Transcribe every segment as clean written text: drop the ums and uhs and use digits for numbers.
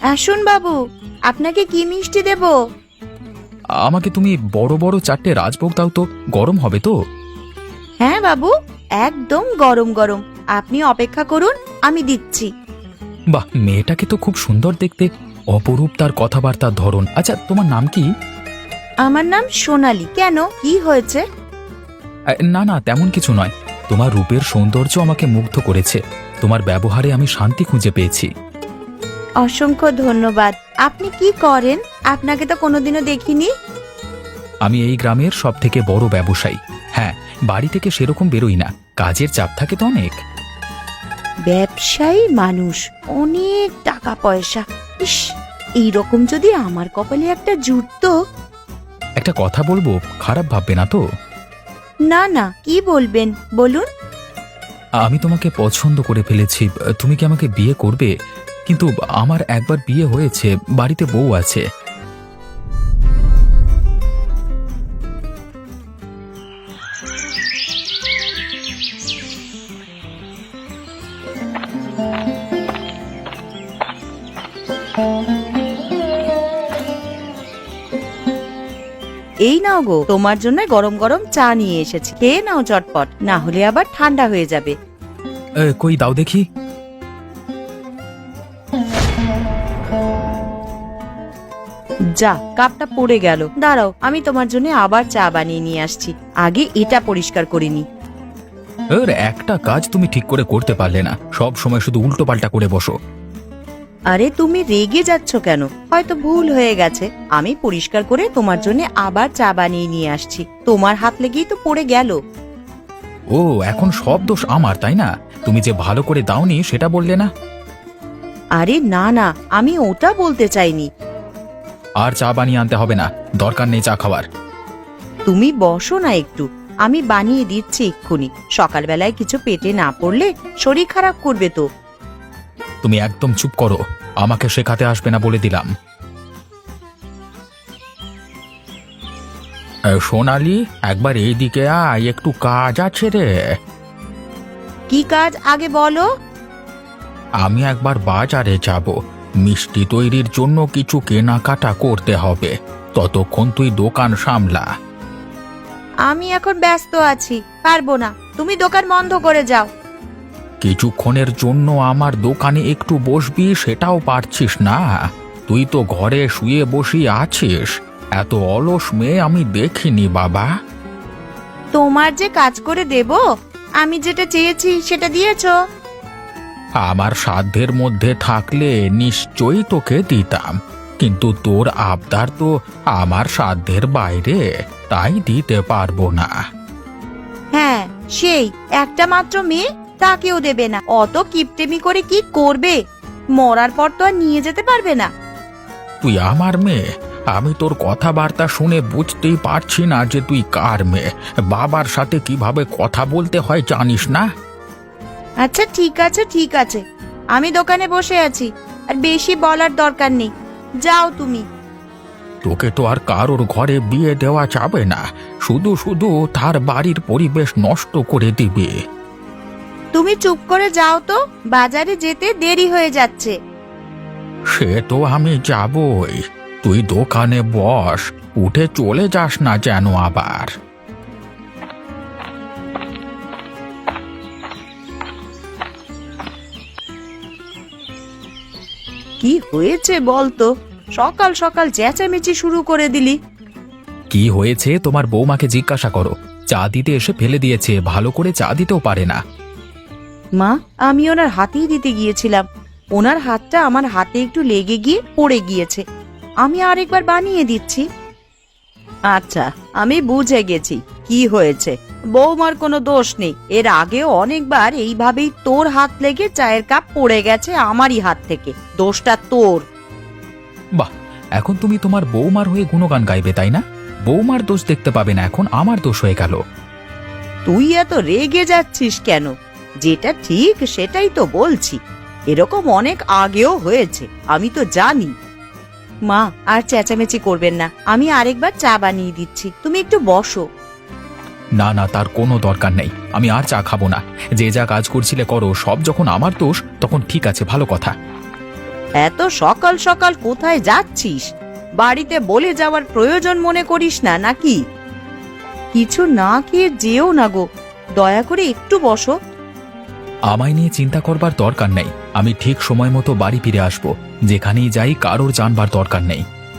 আসুন বাবু, আপনাকে কি মিষ্টি দেব? আমাকে তুমি বড় বড় 4টে রাজভোগ দাও তো, গরম হবে তো। হ্যাঁ বাবু, একদম গরম গরম। আপনি অপেক্ষা করুন, আমি দিচ্ছি। বাহ, মেয়েটাকে তো খুব সুন্দর দেখতে, অপরূপ তার কথাবার্তার ধরন। আচ্ছা, তোমার নাম কি? আমার নাম সোনালি। কেন, কি হয়েছে? না না, তেমন কিছু নয়। তোমার রূপের সৌন্দর্য আমাকে মুগ্ধ করেছে। তোমার ব্যবহারে আমি শান্তি খুঁজে পেয়েছি। অসংখ্য ধন্যবাদ। আপনি কি করেন? আপনাকে তো কোনোদিনও দেখিনি। আমি এই গ্রামের সব থেকে বড় ব্যবসায়ী। হ্যাঁ, বাড়ি থেকে সেরকম বেরোই না, কাজের চাপ থাকে তো অনেক। ব্যবসায়ী মানুষ, অনেক টাকা পয়সা। ইস, এইরকম যদি আমার কপালে একটা জুটতো। একটা কথা বলবো, খারাপ ভাববে না তো? না না, কি বলবেন বলুন। আমি তোমাকে পছন্দ করে ফেলেছি। তুমি কি আমাকে বিয়ে করবে? কিন্তু আমার একবার বিয়ে হয়েছে, বাড়িতে বউ আছে। এই নাও গো, তোমার জন্য গরম গরম চা নিয়ে এসেছি। খেয়ে নাও চটপট, না হলে আবার ঠান্ডা হয়ে যাবে। কই দাও দেখি। যা, কাপটা পড়ে গেল। দাঁড়াও, আমি তোমার জন্য আবার চা বানিয়ে নিয়ে আসছি। আগে এটা পরিষ্কার করে নি। একটা কাজ তুমি ঠিক করে করতে পারলে না, সব সময় শুধু উল্টো পাল্টা করে বসো। আরে তুমি রেগে যাচ্ছ কেন? হয়তো ভুল হয়ে গেছে। আমি পরিষ্কার করে তোমার জন্য আবার চা বানিয়ে নিয়ে আসছি। তোমার হাত লেগেই তো পড়ে গেল। ও, এখন সব দোষ আমার, তাই না? তুমি যে ভালো করে দাওনি সেটা বললে না। আরে না না, আমি ওটা বলতে চাইনি। আর চা বানিয়ে আনতে হবে না, দরকার নেই চা খাওয়ার। তুমি বসো না একটু, আমি বানিয়ে দিচ্ছি এক্ষুনি। সকালবেলায় কিছু পেটে না পড়লে শরীর খারাপ করবে তো। তুমি একদম চুপ করো, আমাকে শেখাতে আসবে না বলে দিলাম। সোনালি, একবার এইদিকে আয়, একটু কাজ আছে রে। কি কাজ আগে বলো। আমি একবার বাজারে যাব, মিষ্টি তৈরির জন্য কিছু কেনাকাটা করতে হবে। ততক্ষণ তুই দোকান সামলা। আমি এখন ব্যস্ত আছি, পারবো না। তুমি দোকান বন্ধ করে যাও। কিছুক্ষণের জন্য আমার দোকানে একটু বসবি, সেটাও পারছিস না? তুই তো ঘরে শুয়ে বসে আছিস। এত অলস মেয়ে আমি দেখিনি বাবা। তোমার যে কাজ করে দেব, আমি যেটা চেয়েছি সেটা দিয়েছো। আমার সাধ্যের মধ্যে থাকলে নিশ্চয়ই তোকে দিতাম, কিন্তু তোর আবদার তো আমার সাধ্যের বাইরে, তাই দিতে পারবো না। হ্যাঁ, সেই একটা মাত্র মেয়ে, তাকেও দেবে না? অত কিপটেমি করে কি করবে? মরার পর তো আর নিয়ে যেতে পারবে না। তুই আমার মেয়ে, আমি তোর কথাবার্তা শুনে বুঝতেই পারছি না যে তুই কার মেয়ে। বাবার সাথে কিভাবে কথা বলতে হয় জানিস না? আচ্ছা ঠিক আছে ঠিক আছে, আমি দোকানে বসে আছি, আর বেশি বলার দরকার নেই। যাও তুমি। তোকে তো আর কারোর ঘরে বিয়ে দেওয়া যাবে না, শুধু শুধু তার বাড়ির পরিবেশ নষ্ট করে দিবে। তুমি চুপ করে যাও তো, বাজারে যেতে দেরি হয়ে যাচ্ছে। সে তো আমি যাবই, তুই দোকানে বস, উঠে চলে যাস না যেন আবার। কি হয়েছে বলতো? সকাল সকাল চেঁচামেচি শুরু করে দিলি। কি হয়েছে তোমার বৌমাকে জিজ্ঞাসা করো। চা দিতে এসে ফেলে দিয়েছে, ভালো করে চা দিতেও পারে না। মা, আমি ওনার হাতেই দিতে গিয়েছিলাম। ওনার হাতটা আমার হাতে একটু লেগে গিয়ে পড়ে গিয়েছে। আমি আরেকবার বানিয়ে দিচ্ছি। আচ্ছা, আমি বুঝে গেছি কি হয়েছে। বৌমার কোনো দোষ নেই। এর আগেও অনেকবার এইভাবেই তোর হাত লেগে চায়ের কাপ পড়ে গেছে আমারই হাত থেকে। দোষটা তোর। বাহ, এখন তুমি তোমার বৌমার হয়ে গুণগান গাইবে, তাই না? বৌমার দোষ দেখতে পাবে না, এখন আমার দোষ হয়ে গেল। তুই এত রেগে যাচ্ছিস কেন? যেটা ঠিক সেটাই তো বলছি। এরকম অনেক আগেও হয়েছে, আমি তো জানি। মা, আর চেঁচামেচি করবেন না। আমি আরেকবার চা বানিয়ে দিচ্ছি, তুমি একটু বসো। না না, তার কোনো দরকার নেই, আমি আর চা খাবো না। যে যা কাজ করছিলে করো, সব যখন আমার দোষ তখন ঠিক আছে, ভালো কথা। এত সকাল সকাল কোথায় যাচ্ছিস? বাড়িতে বলে যাওয়ার প্রয়োজন মনে করিস না নাকি? কিছু না খেয়ে যেও না গো, দয়া করে একটু বসো। আমায় নিয়ে চিন্তা করবার দরকার নেই, আমি ঠিক সময় মতো বাড়ি ফিরে আসব। যেখানেই যাই কারোর জানবার দরকার নেই।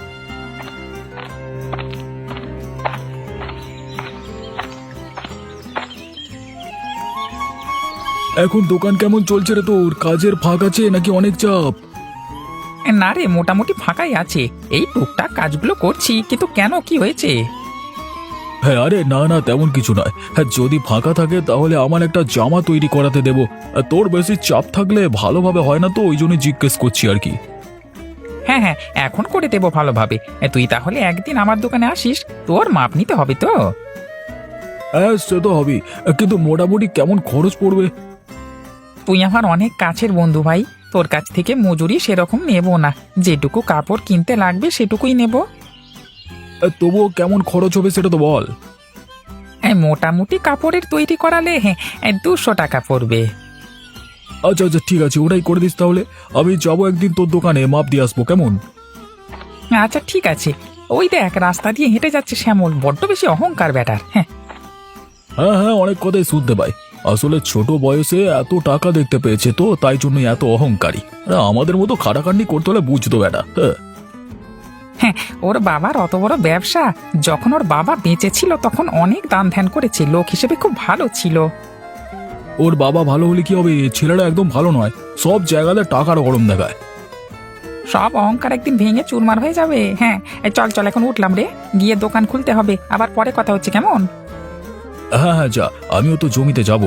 এখন দোকান কেমন চলছে রে তোর? কাজের ফাঁক আছে নাকি অনেক চাপ? না রে, মোটামুটি ফাঁকাই আছে। এই টুকটাক কাজগুলো করছি, কিন্তু কেন, কি হয়েছে? হ্যাঁ, আরে না না, তেমন কিছু নয়। হ্যাঁ, যদি ফাঁকা থাকে তাহলে আমার একটা জামা তৈরি করাতে দেবো। তোর বেশি চাপ থাকলে ভালোভাবে হয় না তো, ওই জন্য জিজ্ঞেস করছি আর কি। হ্যাঁ হ্যাঁ, এখন করে দেবো ভালোভাবে। তুই তাহলে একদিন আমার দোকানে আসিস, তোর মাপ নিতে হবে তো। হ্যাঁ, সে তো হবেই, কিন্তু মোটামুটি কেমন খরচ পড়বে? তুই আমার অনেক কাছের বন্ধু ভাই, তোর কাছ থেকে মজুরি সেরকম নেব না। যেটুকু কাপড় কিনতে লাগবে সেটুকুই নেব। তবুও কেমন খরচ হবে সেটা তো বল। মোটামুটি কাপড়ের তৈরি করালে 200 টাকা পড়বে। আচ্ছা আচ্ছা, ঠিক আছে, ওটাই করে দিস তাহলে। আমি যাবো একদিন তোর দোকানে, মাপ দিয়ে আসবো, কেমন? আচ্ছা ঠিক আছে। ওই দেখ, রাস্তা দিয়ে হেঁটে যাচ্ছে শ্যামল, বড্ড বেশি অহংকার ব্যাটার। হ্যাঁ হ্যাঁ হ্যাঁ, অনেক কথাই শুনতে পাই। আসলে ছোট বয়সে এত টাকা দেখতে পেয়েছে তো, তাই জন্যই এত অহংকারী। আমাদের মতো খাটাখাটনি করতে হলে বুঝতো বেটা। হ্যাঁ, ওর বাবার অত বড় ব্যবসা। যখন ওর বাবা বেঁচে ছিল তখন অনেক দান ধ্যান করেছে, লোক হিসেবে খুব ভালো ছিল। ওর বাবা ভালো হলে কি হবে? ছেলেটা একদম ভালো নয়, সব জায়গাতে টাকার গরম দেখায়। সব অহংকার একদিন ভেঙে চুরমার হয়ে যাবে। হ্যাঁ, চল চল, এখন উঠলাম রে, গিয়ে দোকান খুলতে হবে, আবার পরে কথা হচ্ছে, কেমন? হ্যাঁ হ্যাঁ, যা, আমিও তো জমিতে যাব।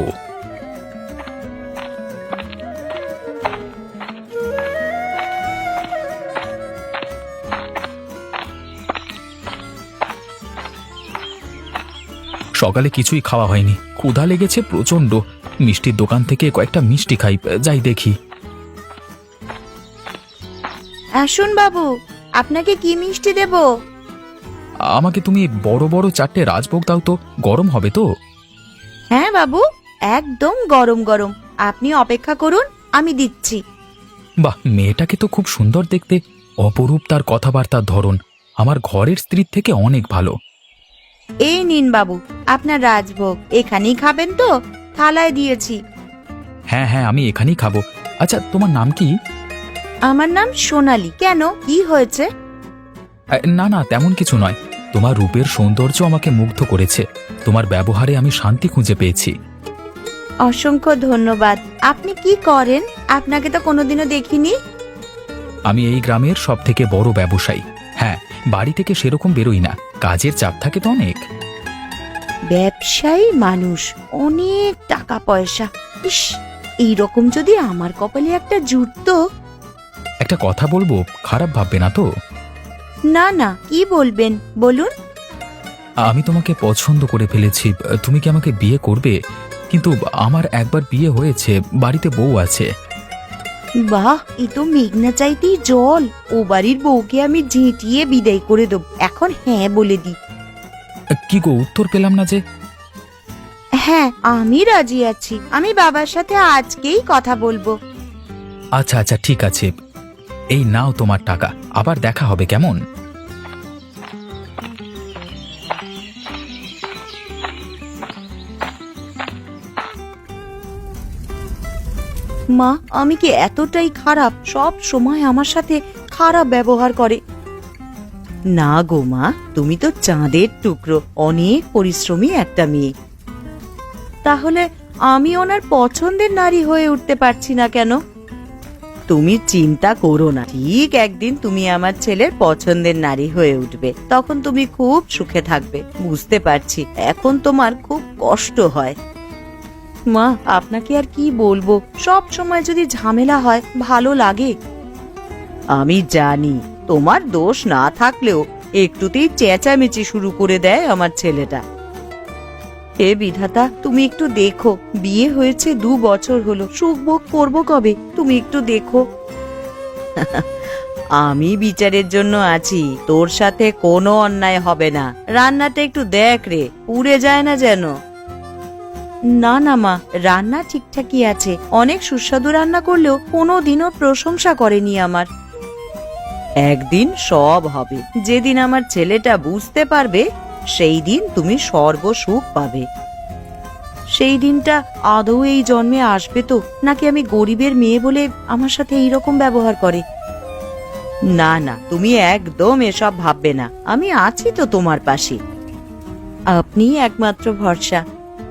সকালে কিছুই খাওয়া হয়নি, ক্ষুধা লেগেছে প্রচন্ড। মিষ্টির দোকান থেকে কয়েকটা মিষ্টি খাই, যাই দেখি। আসুন বাবু, আপনাকে কি মিষ্টি দেব? আমাকে তুমি বড় বড় 4টে রাজভোগ দাও তো, গরম হবে তো। হ্যাঁ বাবু, একদম গরম গরম। আপনি অপেক্ষা করুন, আমি দিচ্ছি। বাহ, মেয়েটাকে তো খুব সুন্দর দেখতে, অপরূপ তার কথাবার্তার ধরন, আমার ঘরের স্ত্রীর থেকে অনেক ভালো। এই নিন বাবু, আপনার রাজভোগ। এখানেই খাবেন তো? থালায় দিয়েছি। হ্যাঁ হ্যাঁ, আমি এখানেই খাবো। আচ্ছা, তোমার নাম কি? আমার নাম সোনালি। কেন, কি হয়েছে? না না, তেমন কিছু নয়। তোমার রূপের সৌন্দর্য আমাকে মুগ্ধ করেছে, তোমার ব্যবহারে আমি শান্তি খুঁজে পেয়েছি। অসংখ্য ধন্যবাদ। আপনি কি করেন? আপনাকে তো কোনোদিনও দেখিনি। আমি এই গ্রামের সব থেকে বড় ব্যবসায়ী। হ্যাঁ, বাড়ি থেকে সেরকম বেরোই না, কাজের চাপ থাকে তো অনেক। ব্যবসায়ী মানুষ, অনেক টাকা পয়সা। ইস, এইরকম যদি আমার কপালে একটা জুটতো। একটা কথা বলবো, খারাপ ভাববে না তো? না না, কি বলবেন বলুন। আমি তোমাকে পছন্দ করে ফেলেছি, তুমি কি আমাকে বিয়ে করবে? কিন্তু আমার একবার বিয়ে হয়েছে, বাড়িতে বউ আছে। বাহ, এ তো মেঘনা চাইতেই জল। ও বাড়ির বউকে আমি ঝেঁটিয়ে বিদায় করে দেব। এখন হ্যাঁ বলে দি। কি গো, উত্তর পেলাম না যে? হ্যাঁ, আমি রাজি আছি। আমি বাবার সাথে আজকেই কথা বলবো। আচ্ছা আচ্ছা, ঠিক আছে, এই নাও তোমার টাকা, আবার দেখা হবে, কেমন? মা, আমি কি এতটাই খারাপ? সব সময় আমার সাথে খারাপ ব্যবহার করে। না গো মা, তুমি তো চাঁদের টুকরো, অনেক পরিশ্রমী একটা মেয়ে। তাহলে আমি ওনার পছন্দের নারী হয়ে উঠতে পারছি না কেন? তুমি চিন্তা করো না, ঠিক একদিন তুমি আমার ছেলের পছন্দের নারী হয়ে উঠবে। তখন তুমি খুব সুখে থাকবে। বুঝতে পারছি এখন তোমার খুব কষ্ট হয়। মা, আপনাকে আর কি বলবো, সব সময় যদি ঝামেলা হয় ভালো লাগে? আমি জানি তোমার দোষ না থাকলেও একটুতেই চেঁচামেচি শুরু করে দেয় আমার ছেলেটা। হে বিধাতা, তুমি একটু দেখো, বিয়ে হয়েছে 2 বছর হলো, সুখ ভোগ করবো কবে? তুমি একটু দেখো। আমি বিচারের জন্য আছি, তোর সাথে কোনো অন্যায় হবে না। রান্নাটা একটু দেখ রে, পুড়ে যায় না যেন। না না মা, রান্না ঠিকঠাকই আছে। অনেক সুস্বাদু রান্না করলেও কোনোদিনও প্রশংসা করেনি আমার। একদিন সব হবে। যেদিন আমার ছেলেটা বুঝতে পারবে, সেই দিন তুমি সর্বসুখ পাবে। সেই দিনটা আদৌ এই জন্মে আসবে তো, নাকি আমি গরিবের মেয়ে বলে আমার সাথে এইরকম ব্যবহার করে? না না, তুমি একদম এসব ভাববে না। আমি আছি তো তোমার পাশে। আপনিই একমাত্র ভরসা।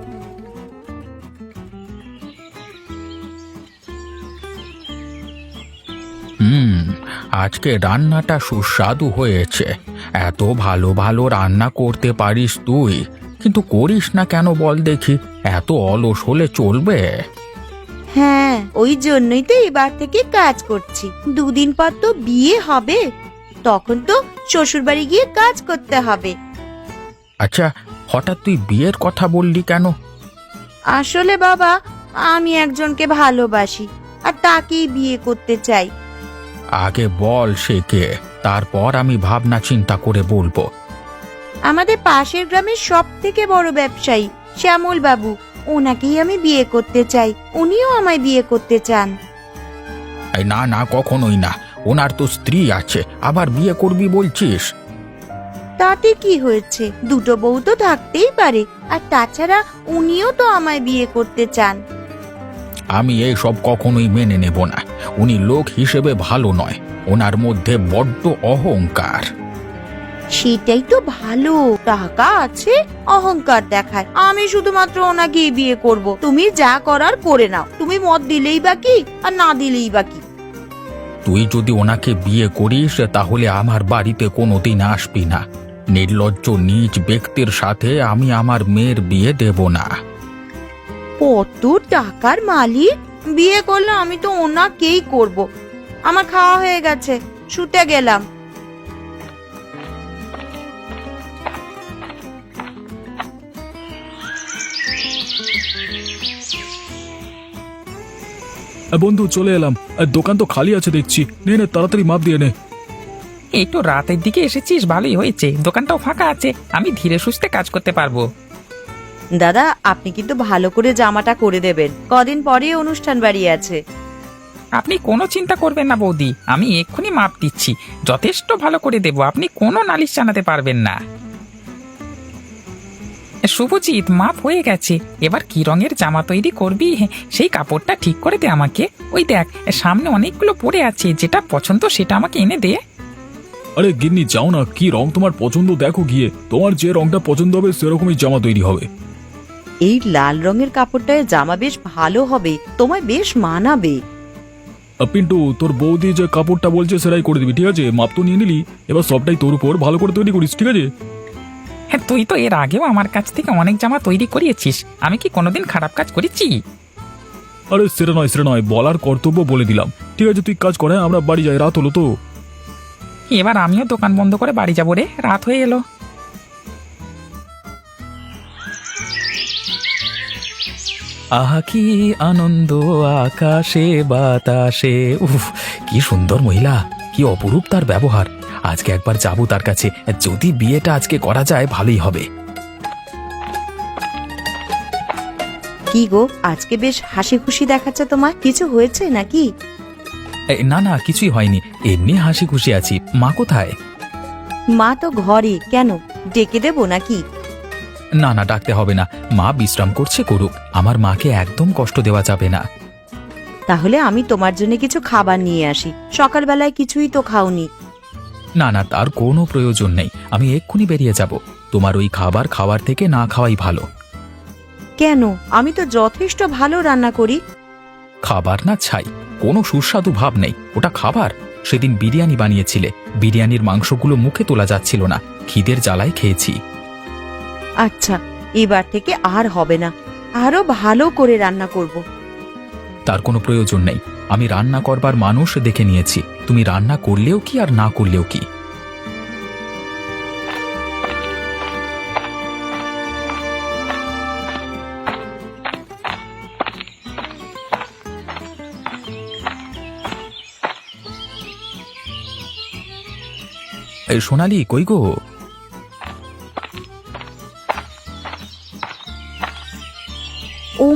আজকে রান্নাটা সুস্বাদু হয়েছে। এত ভালো ভালো রান্না করতে পারিস তুই, কিন্তু করিস না কেন বল দেখি? এত অলস হলে চলবে? হ্যাঁ, ওই জন্যই তো এবার থেকে কাজ করছি। দুদিন পর তো বিয়ে হবে, তখন তো শ্বশুরবাড়ি গিয়ে কাজ করতে হবে। আচ্ছা, হঠাৎ তুই বিয়ের কথা বললি কেন? আসলে বাবা, আমি একজনকে ভালোবাসি আর তাকেই বিয়ে করতে চাই। আগে বল সে কে, তারপর আমি ভাবনা চিন্তা করে বলবো। আমাদের পাশের গ্রামের সব থেকে বড় ব্যবসায়ী শ্যামল বাবু, ওনাকেই আমি বিয়ে করতে চাই। উনিও আমায় বিয়ে করতে চান। এই না না, কখনোই না। ওনার তো স্ত্রী আছে, আবার বিয়ে করবি বলছিস? তাতে কি হয়েছে? দুটো বউ তো থাকতেই পারে। আর তাছাড়া উনিও তো আমায় বিয়ে করতে চান। আমি এই সব কখনোই মেনে নেব না। উনি লোক হিসেবে ভালো নয়, ওনার মধ্যে বড্ড অহংকার। সেটাই তো ভালো, টাকা আছে, অহংকার দেখায়। আমি শুধুমাত্র ওনাকেই বিয়ে করব। তুমি যা করার করে নাও। তুমি মত দিলেই বাকি, আর না দিলেই বাকি। তুই যদি ওনাকে বিয়ে করিস তাহলে আমার বাড়িতে কোনোদিন আসবি না। নির্লজ্জ নীচ ব্যক্তির সাথে আমি আমার মেয়ের বিয়ে দেব না। কত টাকার মালিক! বিয়ে করলে আমি তো ওনাকেই করব। আমার খাওয়া হয়ে গেছে, শুতে গেলাম। বন্ধু, চলে এলাম। দোকান তো খালি আছে দেখছি। নে নে, তাড়াতাড়ি মাপ দিয়ে নে। একটু রাতের দিকে এসেছিস, ভালোই হয়েছে। দোকানটাও ফাঁকা আছে, আমি ধীরে সুস্থে কাজ করতে পারবো। দাদা, আপনি কিন্তু ভালো করে জামাটা করে দেবেন। কদিন পরে অনুষ্ঠান বাড়ি আছে। আপনি কোনো চিন্তা করবেন না বৌদি, আমি এক্ষুনি মাপ দিচ্ছি। যথেষ্ট ভালো করে দেব, আপনি কোনো নালিশ জানাতে পারবেন না। শুভজিৎ, মাপ হয়ে গেছে। এবার কি রঙের জামা তৈরি করবি সেই কাপড়টা ঠিক করে দে আমাকে। ওই দেখ, সামনে অনেকগুলো পড়ে আছে, যেটা পছন্দ সেটা আমাকে এনে দে। আরে গিন্নি, যাও না, কি রং তোমার পছন্দ দেখো গিয়ে। তোমার যে রংটা পছন্দ হবে সেরকমই জামা তৈরি হবে। এই লাল রঙের কাপড়টায় জামা বেশ ভালো হবে, তোমায় বেশ মানাবে। পিন্টু, তোর বৌদি যে কাপড়টা বলছে সেটাই করে দিবি, ঠিক আছে? মাপ তো নিয়ে নিলি, এবার সবটাই তোর উপর, ভালো করে তৈরি করিস, ঠিক আছে? হ্যাঁ, তুই তো এর আগেও আমার কাছ থেকে অনেক জামা তৈরি করিয়েছিস। আমি কি কোনোদিন খারাপ কাজ করেছি? আরে সেটা নয়, বলার কর্তব্য বলে দিলাম। ঠিক আছে, তুই কাজ করে, আমরা বাড়ি যাই, রাত হলো তো। এবার আমিও দোকান বন্ধ করে বাড়ি যাবো রে, রাত হয়ে এলো। আহা কি আনন্দ আকাশে বাতাসে। উফ, কি সুন্দর মহিলা, কি অপরূপ তার ব্যবহার। আজকে একবার যাবো তার কাছে। যদি বিয়েটা আজকে করা যায় ভালোই হবে। কি গো, আজকে বেশ হাসি খুশি দেখাচ্ছে তোমার। কিছু হয়েছে নাকি? না না, কিছুই হয়নি, এমনি হাসি খুশি আছি। মা কোথায়? মা তো ঘরে। কেন, ডেকে দেবো নাকি? না না, ডাকতে হবে না। মা বিশ্রাম করছে, করুক। আমার মাকে একদম কষ্ট দেওয়া যাবে না। তাহলে আমি তোমার জন্য কিছু খাবার নিয়ে আসি। সকালবেলায় কিছুই তো খাওনি। না না, তার কোনো প্রয়োজন নেই। আমি এক্ষুনি বেরিয়ে যাব। তোমার ওই খাবার খাওয়ার থেকে না খাওয়াই ভালো। কেন? আমি তো যথেষ্ট ভালো রান্না করি। খাবার না ছাই, কোনো সুস্বাদু ভাব নেই। ওটা খাবার? সেদিন বিরিয়ানি বানিয়েছিলে, বিরিয়ানির মাংসগুলো মুখে তোলা যাচ্ছিল না। খিদের জ্বালায় খেয়েছি। আচ্ছা, এবার থেকে আর হবে না। আরো ভালো করে রান্না করব। তার কোনো প্রয়োজন নেই। আমি রান্না করবার মানুষ দেখে নিয়েছি। তুমি রান্না করলেও কি আর না করলেও কি। এই সোনালি, কই গো?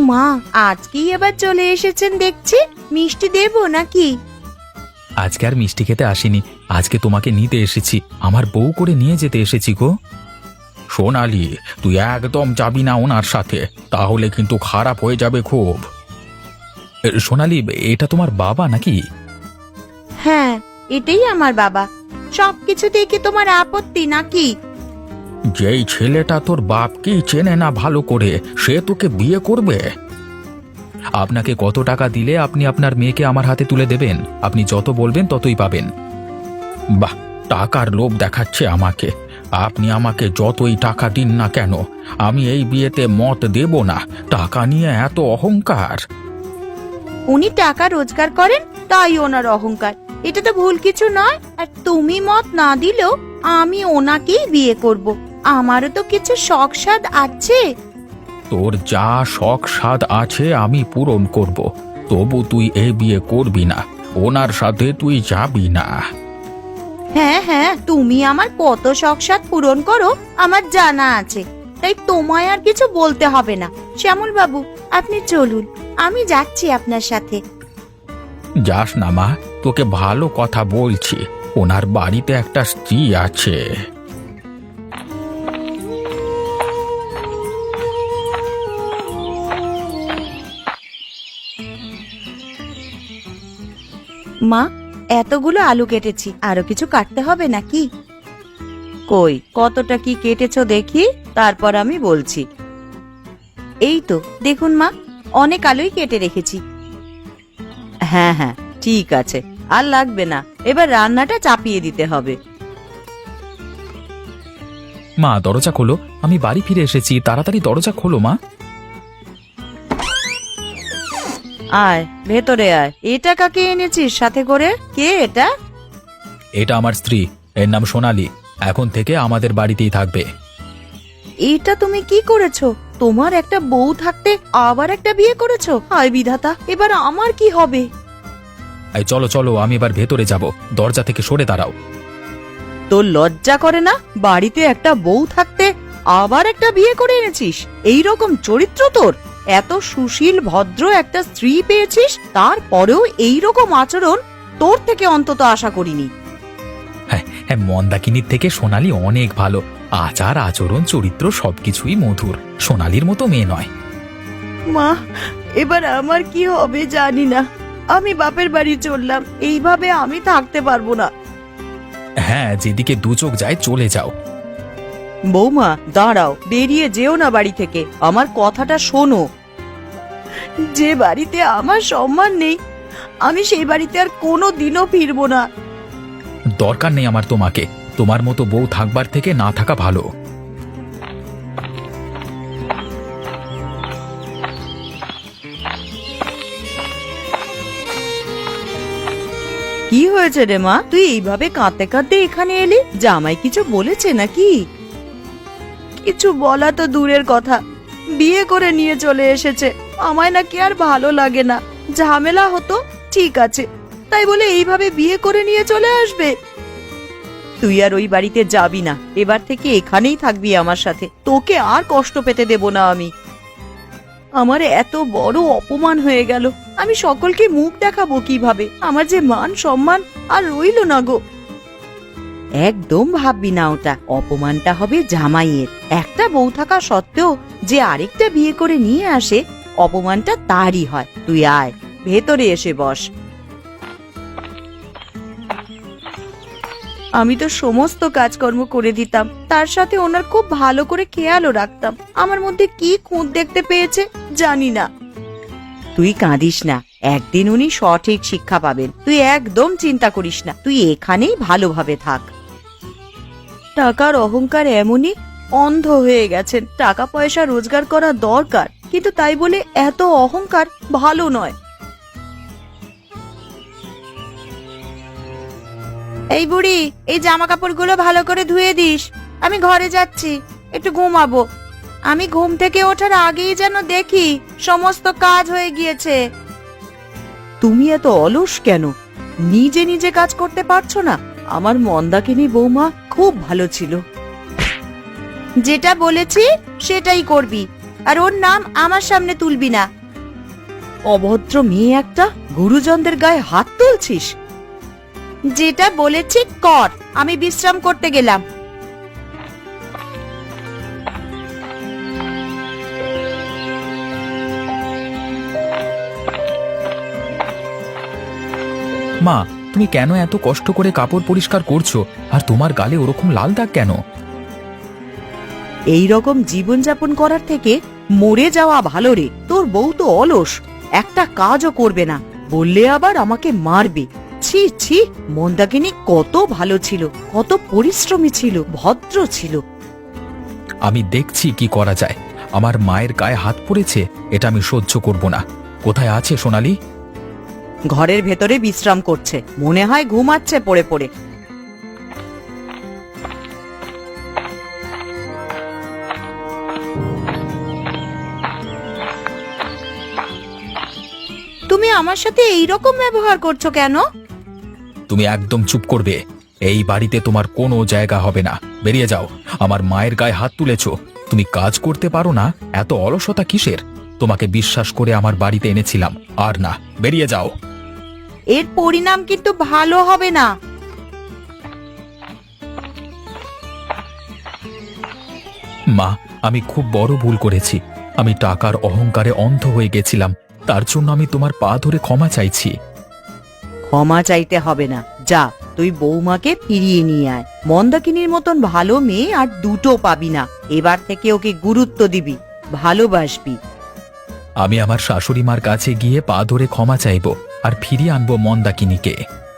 মা, আজকেই আবার চলে এসেছেন দেখছি, মিষ্টি দেবো নাকি? আজকে আর মিষ্টি খেতে আসিনি, আজকে তোমাকে নিতে এসেছি, আমার বউ করে নিয়ে যেতে এসেছি গো। সোনালি, তুই একদম যাবি না ওনার সাথে, তাহলে কিন্তু খারাপ হয়ে যাবে খুব। সোনালি, এটা তোমার বাবা নাকি? হ্যাঁ, এটাই আমার বাবা। সবকিছু দেখে তোমার আপত্তি নাকি? যেই ছেলেটা তোর বাপকেই চেনে না ভালো করে, সে তোকে বিয়ে করবে? আপনাকে কত টাকা দিলে আপনি আপনার মেয়েকে আমার হাতে তুলে দেবেন? আপনি যত বলবেন ততই পাবেন। বাহ, টাকার লোভ দেখাচ্ছে আমাকে। আপনি আমাকে যতই টাকা দিন না কেন, আমি এই বিয়েতে মত দেব না। টাকা নিয়ে এত অহংকার। উনি টাকা রোজগার করেন, তাই ওনার অহংকার। এটা তো ভুল কিছু নয়। আর তুমি মত না দিলেও আমি ওনাকেই বিয়ে করব। আমারও তো কিছু শখ সাধ আছে। তোর যা শখ সাধ আছে আমি পূরণ করব, তবু তুই এই বিয়ে করবি না, ওনার সাথে তুই যাবি না। হ্যাঁ হ্যাঁ, তুমি আমার কত শখ সাধ পূরণ করো আমার জানা আছে, তাই তোমায় আর কিছু বলতে হবে না। শ্যামল বাবু, আপনি চলুন, আমি যাচ্ছি আপনার সাথে। যাস না মা, তোকে ভালো কথা বলছি, ওনার বাড়িতে একটা স্ত্রী আছে। মা, এতগুলো আলু কেটেছি, আরো কিছু কাটতে হবে নাকি? কই, কতটা কি কেটেছো দেখি, তারপর আমি বলছি। এই তো দেখুন মা, অনেক আলুই কেটে রেখেছি। হ্যাঁ হ্যাঁ, ঠিক আছে, আর লাগবে না। এবার রান্নাটা চাপিয়ে দিতে হবে। মা, দরজা খোলো, আমি বাড়ি ফিরে এসেছি, তাড়াতাড়ি দরজা খোলো মা। আয়, ভেতরে আয়। এটা কাকে এনেছিস সাথে করে? কে এটা? এটা আমার স্ত্রী, এর নাম সোনালি, এখন থেকে আমাদের বাড়িতেই থাকবে। এটা তুমি কি করেছো? তোমার একটা বউ থাকতে আবার একটা বিয়ে করেছো? হায় বিধাতা, এবার আমার কি হবে? এই চলো চলো, আমি এবার ভেতরে যাব, দরজা থেকে সরে দাঁড়াও। তোর লজ্জা করে না? বাড়িতে একটা বউ থাকতে আবার একটা বিয়ে করে এনেছিস? এই রকম চরিত্র তোর? এত সুশীল ভদ্র একটা স্ত্রী পেয়েছিস, তারপরেও এই রকম আচরণ তোর থেকে অন্তত আশা করিনি। হ্যাঁ হ্যাঁ, মন্দাকিনীর থেকে সোনালি অনেক ভালো, আচার আচরণ চরিত্র সবকিছুই মধুর, সোনালির মতো মেয়ে নয়। মা, এবার আমার কি হবে জানি না। আমি বাপের বাড়ি চললাম, এইভাবে আমি থাকতে পারবো না। হ্যাঁ, যেদিকে দু চোখ যায় চলে যাও। বৌমা, দাঁড়াও, বেরিয়ে যেও না বাড়ি থেকে, আমার কথাটা শোনো। যে বাড়িতে আমার সম্মান নেই, আমি সেই বাড়িতে আর কোনো দিনও ফিরবো না। দরকার নেই আমার তোমাকে, তোমার মতো বউ থাকবার থেকে না থাকা ভালো। কি হয়েছে রে মা, তুই এইভাবে কাঁদতে কাঁদতে এখানে এলি? জামাই কিছু বলেছে নাকি? কিছু বলা তো দূরের কথা, বিয়ে করে নিয়ে চলে এসেছে। আমায় নাকি আর ভালো লাগে না, ঝামেলা হতো ঠিক আছে, তাই বলে এইভাবে বিয়ে করে নিয়ে চলে আসবে? তুই আর ওই বাড়িতে যাবি না, এবার থেকে এখানেই থাকবি আমার সাথে। তোকে আর কষ্ট পেতে দেব না আমি। আমার এত বড় অপমান হয়ে গেল, আমি সকলকে মুখ দেখাবো কিভাবে? আমার যে মান সম্মান আর রইল না গো। একদম ভাববি না ওটা, অপমানটা হবে জামাইয়ের। একটা বউ থাকা সত্ত্বেও যে আরেকটা বিয়ে করে নিয়ে আসে, অপমানটা তারই হয়। তুই আয়, ভেতরে এসে বস। আমি তো সমস্ত কাজকর্ম করে দিতাম, তার সাথে ওনার খুব ভালো করে খেয়ালও রাখতাম। আমার মধ্যে কি খুঁত দেখতে পেয়েছে জানি না। তুই কাঁদিস না, একদিন উনি সঠিক শিক্ষা পাবেন। তুই একদম চিন্তা করিস না, তুই এখানেই ভালোভাবে থাক। টাকার অহংকার এমনই, অন্ধ হয়ে গেছেন। টাকা পয়সা রোজগার করা দরকার, কিন্তু তাই বলে এত অহংকার ভালো নয়। এই বুড়ি, এই জামা কাপড়গুলো ভালো করে ধুয়ে দিস। আমি ঘরে যাচ্ছি, একটু ঘুমাবো। আমি ঘুম থেকে ওঠার আগেই যেন দেখি সমস্ত কাজ হয়ে গিয়েছে। তুমি এত অলস কেন? নিজে নিজে কাজ করতে পারছো না? আমার মন্দাকিনী বৌমা খুব ভালো ছিল। যেটা বলেছি সেটাই করবি। আর ওর নাম আমার সামনে তুলবি না। অভদ্র মেয়ে একটা, গুরুজনদের গায়ে হাত তুলছিস। যেটা বলেছি কর, আমি বিশ্রাম করতে গেলাম। মা, তুমি কেন এত কষ্ট করে কাপড় পরিষ্কার করছো আর তোমার গালে ওরকম লাল দাগ কেন? এই রকম জীবনযাপন করার থেকে মরে যাওয়া ভালো রে। তোর বউ তো অলস, একটা কাজও করবে না, বললে আবার আমাকে মারবে। ছি ছি, মন্দাকিনী কত ভালো ছিল, কত পরিশ্রমী ছিল, ভদ্র ছিল। আমি দেখছি কি করা যায়। আমার মায়ের গায়ে হাত পড়েছে, এটা আমি সহ্য করব না। কোথায় আছে সোনালি? ঘরের ভেতরে বিশ্রাম করছে, মনে হয় ঘুমাচ্ছে পড়ে পড়ে। তুমি আমার সাথে এই রকম ব্যবহার করছো কেন? তুমি একদম চুপ করবে। এই বাড়িতে তোমার কোনো জায়গা হবে না, বেরিয়ে যাও। আমার মায়ের গায়ে হাত তুলেছো, তুমি কাজ করতে পারো না, এত অলসতা কিসের? তোমাকে বিশ্বাস করে আমার বাড়িতে এনেছিলাম, আর না, বেরিয়ে যাও। এর পরিণাম কিন্তু ভালো হবে না। মা, আমি খুব বড় ভুল করেছি। আমি টাকার অহংকারে অন্ধ হয়ে গেছিলাম, তার জন্য আমি তোমার পা ধরে ক্ষমা চাইছি। ক্ষমা চাইতে হবে না, যা তুই বৌমাকে ফিরিয়ে নিয়ে আয়। মন্দাকিনীর মতন ভালো মেয়ে আর দুটো পাবি না। এবার থেকে ওকে গুরুত্ব দিবি, ভালোবাসবি। আমি আমার শাশুড়ি মার কাছে গিয়ে পা ধরে ক্ষমা চাইব আর ফিরিয়ে আনবো মন্দাকিনীকে।